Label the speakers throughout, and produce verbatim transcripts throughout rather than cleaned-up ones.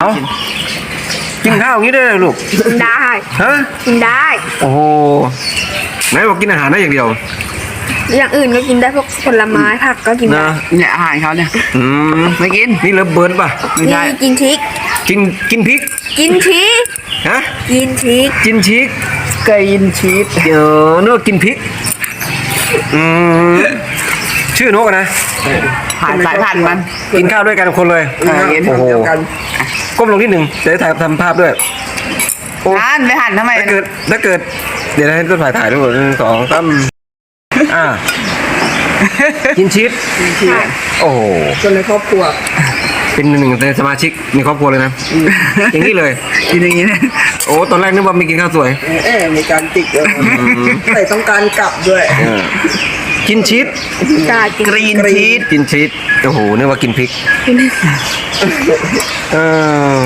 Speaker 1: เอากินข้าวอย่างนี้ได้เลยลูก
Speaker 2: กินได้
Speaker 1: ฮะ
Speaker 2: กินได้
Speaker 1: โอ้โหไหนบอกกินอาหารได้อย่างเดียว
Speaker 2: อย่างอื่นก็กินได้พวกผลไม้ผักก็กินได้
Speaker 1: นะ
Speaker 3: เนี่ยอาหารเขาเนี่ย
Speaker 1: อืม
Speaker 3: ไม่กิน
Speaker 1: นี่เลิฟเบิร์ดป่ะ
Speaker 3: ไม่ใช่
Speaker 2: นี่กินพริก
Speaker 1: กินกินพริก
Speaker 2: กินพริก
Speaker 1: ฮะ
Speaker 2: กินพริก
Speaker 1: กินชีส
Speaker 3: เกยินชีส
Speaker 1: เออเนื้อกินพริกอืมชื่อนกอะนะ
Speaker 3: ผ่านสายพันธุ์มัน
Speaker 1: กินข้าวด้วยกันคนเลย
Speaker 3: เออกิน
Speaker 1: โอ้โห
Speaker 3: เดียวกัน
Speaker 1: ก้มลงนิดหนึ่งจะได้ถ่ายทำภาพด้วยโอ้
Speaker 3: อ่านไม่หันทำไม
Speaker 1: ถ้าเกิดถ้าเกิด เดี๋ยวให้ต้นถ่ายถ่ายด้วยหนึ่งสองสามอ่ากินชีสโอ้โห
Speaker 4: คนในครอบครัว
Speaker 1: เป็นหนึ่งในสมาชิกในครอบครัวเลยนะอย่างนี้เลย
Speaker 3: กินอย่างนี้เนี่ย
Speaker 1: โอ้ตอนแรกนึกว่ามีกินข้าวสวย
Speaker 4: เออมีการจิกเลยใส่ต้องการกลับด้วย
Speaker 1: เออกินชีส
Speaker 2: กากิน
Speaker 3: กรีนชีส
Speaker 1: กินชีสโอ้โหนึกว่ากินพริกเออ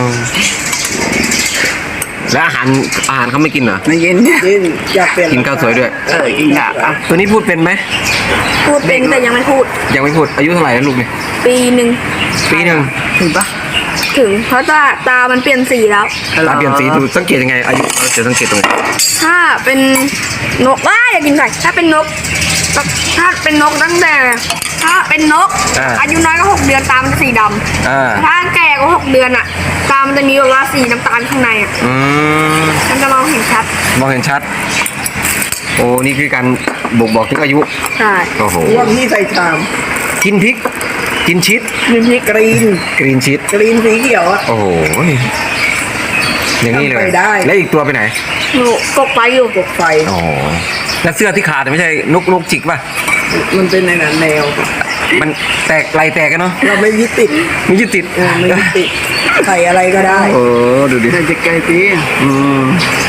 Speaker 1: แล้วอาหารอาหารเขาไม่กินเหรอ
Speaker 3: ไม่กิน
Speaker 4: กินอยากเปลี่ยน
Speaker 1: กินข้าวสวยด้วย
Speaker 3: เออกินอ่ะอ่ะ
Speaker 1: ตัวนี้พูดเป็นไหม
Speaker 2: พูดเป็นแต่ยังไม่พูด
Speaker 1: ยังไม่พูดอายุเท่าไหร่แล้วลูกเนี่ย
Speaker 2: ปีหนึ่ง
Speaker 1: ปีหนึ่ง
Speaker 3: ถึงปะ
Speaker 2: ถึงเพราะตาตามันเปลี่ยนสีแล้ว
Speaker 1: ตาเปลี่ยนสีดูสังเกตยังไงอายุเราจะสังเกตตรงไหน
Speaker 2: ถ้าเป็นนกว่าอย่ากินไก่ถ้าเป็นนกถ้าเป็นนกตั้งแต่ ถ้าเป็นนก อายุน้อยก็หกเดือนตามันจะสีด
Speaker 1: อ่า
Speaker 2: ำถ้าแก่ก็หกเดือนอ่ะ ตามันจะมีแบบว่าสีน้ำตาลข้างในอ่ะ
Speaker 1: อืม
Speaker 2: มันจะมองเห็นชัด
Speaker 1: มองเห็นชัด โอ้นี่คือการบ่งบอกถึงอายุ
Speaker 2: ใช่
Speaker 1: โอ้โห
Speaker 4: รวมที่ใส่ชาม
Speaker 1: กินพริก กินชีส
Speaker 4: มีพริกกรีน
Speaker 1: กรีนชีส
Speaker 4: กรีนสีเขียวอะ
Speaker 1: โอ้โหอย่างนี้เลย
Speaker 4: ทำไปได้
Speaker 1: แล้วอีกตัวไปไหน
Speaker 2: หนูกกไปอยู่
Speaker 4: กบไฟ
Speaker 1: โอ้โหแล้วเสื้อที่ขาดไม่ใช่นกนกจิกป่ะ
Speaker 4: มันเป็นในนั้นแนว
Speaker 1: มันแตกลายแตกกันเนาะ
Speaker 4: เราไม่ยึดติด
Speaker 1: ไม่ยึดติด
Speaker 4: เออไม่ยึดติดใส่อะไรก็ได้
Speaker 1: เออดูดิ
Speaker 3: เดี๋ยวจะไกลตี
Speaker 1: อืม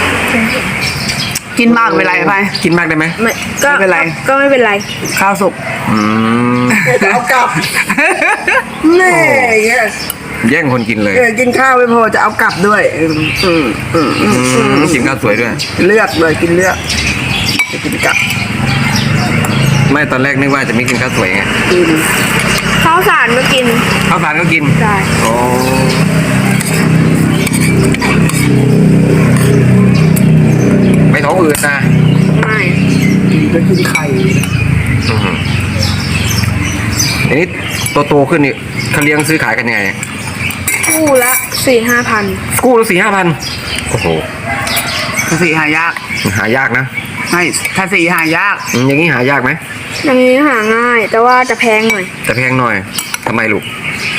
Speaker 3: กินมากเป็นไรไป
Speaker 1: กินมากได้ไหม
Speaker 2: ไม่ก็
Speaker 3: ไม่เป็นไร
Speaker 2: ก็ไม่เป็นไร
Speaker 3: ข้าวสุก
Speaker 1: อืม
Speaker 4: จะเอากลับแน่เงี้ย
Speaker 1: แย่งคนกินเลย
Speaker 4: เออกินข้าวไม่พอจะเอากลับด้วยอืมอืมอืมอืม
Speaker 1: อืมกินข้าวสวยด้วย
Speaker 4: เลือกเลยกินเลือกจะกินกลับ
Speaker 1: ไม่ตอนแรกนึกว่าจะไม่กินข้าวสวยไง
Speaker 4: กิน
Speaker 2: ข้าวสารก็กิน
Speaker 1: ข้าวสารก็กิน
Speaker 2: ได้
Speaker 1: โอ้ไม่ท้องอืดนะ
Speaker 2: ไม่
Speaker 4: กินก็กินไข่
Speaker 1: อือหืออันนี้โตโตๆขึ้นนี่เขาเลี้ยงซื้อขายกันยังไง
Speaker 2: คู่ละสี่ห้าพัน
Speaker 1: กู้ละสี่ห้าพันโอ้โห
Speaker 3: ถ้าสีหายาก
Speaker 1: หายากนะ
Speaker 3: ไม่ถ้าสีหายาก
Speaker 1: อืมอย่างนี้หายากไหม
Speaker 2: อย่างนี้หาง่าย แต่ว่าจะแพงหน่อย
Speaker 1: แต่แพงหน่อยทำไมลูก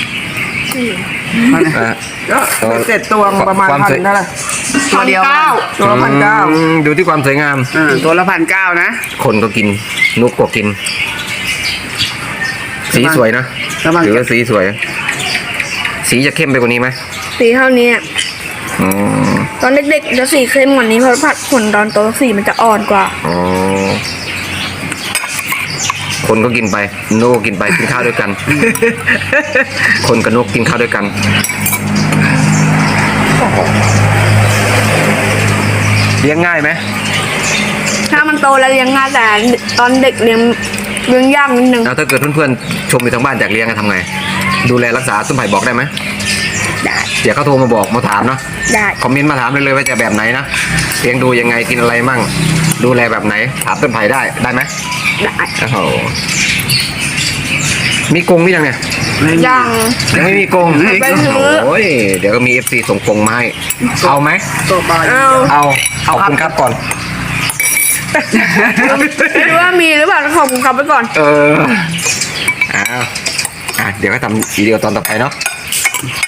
Speaker 3: มัน
Speaker 1: อ่ะ
Speaker 4: ก็เสร็จตัวประมาณ
Speaker 1: ความ
Speaker 4: พัน
Speaker 1: สวย
Speaker 4: เท่าไหร่
Speaker 3: ตัวเดียว
Speaker 4: พันเก้าตัวละพันเก้า
Speaker 1: อืมดูที่ความสวยงาม
Speaker 3: เออตัวละพันเก้านะ
Speaker 1: คนก็กินนกก็กิน สีสวยนะ
Speaker 3: ระวัง
Speaker 1: ถือว่าสีสวย สีจะเข้มไปกว่านี้ไหม
Speaker 2: สีเท่านี้อะ
Speaker 1: อ๋อ
Speaker 2: ตอนเด็กๆจะสีเข้มกว่านี้เพราะผัดผลตอนโตสีมันจะอ่อนกว่า
Speaker 1: อ๋อคนก็กินไปนกก็กินไปกินข้าวด้วยกัน คนกับนกกินข้าวด้วยกันโอ้โหเลี้ยงง่ายไหม
Speaker 2: ถ้ามันโตแล้วเลี้ยงง่ายแต่ตอนเด็กเลี้ยงเลี้ยงยากนิดนึง
Speaker 1: แล้วถ้าเกิดเพื่อนๆชมอยู่ทางบ้านอยากเลี้ยงจะทำไง ดูแลรักษาต้นไผ่บอกได้ไหม
Speaker 2: ได้
Speaker 1: เดี๋ยวเขาโทรมาบอกมาถามเนาะ
Speaker 2: ได้
Speaker 1: คอมเมนต์มาถามเลยเลยว่าจะแบบไหนนะเลี้ยงดูยังไงกินอะไรมั่ง ดูแลแบบไหน ถามต้นไผ่ได้ได้ไหม
Speaker 2: ได้
Speaker 1: โอ้โหมีกรงหรือยังเนี่ย
Speaker 2: ยัง
Speaker 1: ยังไม่มีกรง
Speaker 2: ไปซื้อ
Speaker 1: โอ้ยเดี๋ยวก็มีเอฟซีส่งกรงมาให้เอาไหม
Speaker 4: ตัวปลา
Speaker 2: เอา
Speaker 1: เอาขอบคุณครับก่อน
Speaker 2: ไม่รู้ว่ามีหรือเปล่าขอบคุณครับไปก่อน
Speaker 1: เอออ้าวอ่ะเดี๋ยวก็ทำวิดีโอตอนต่อไปเนาะ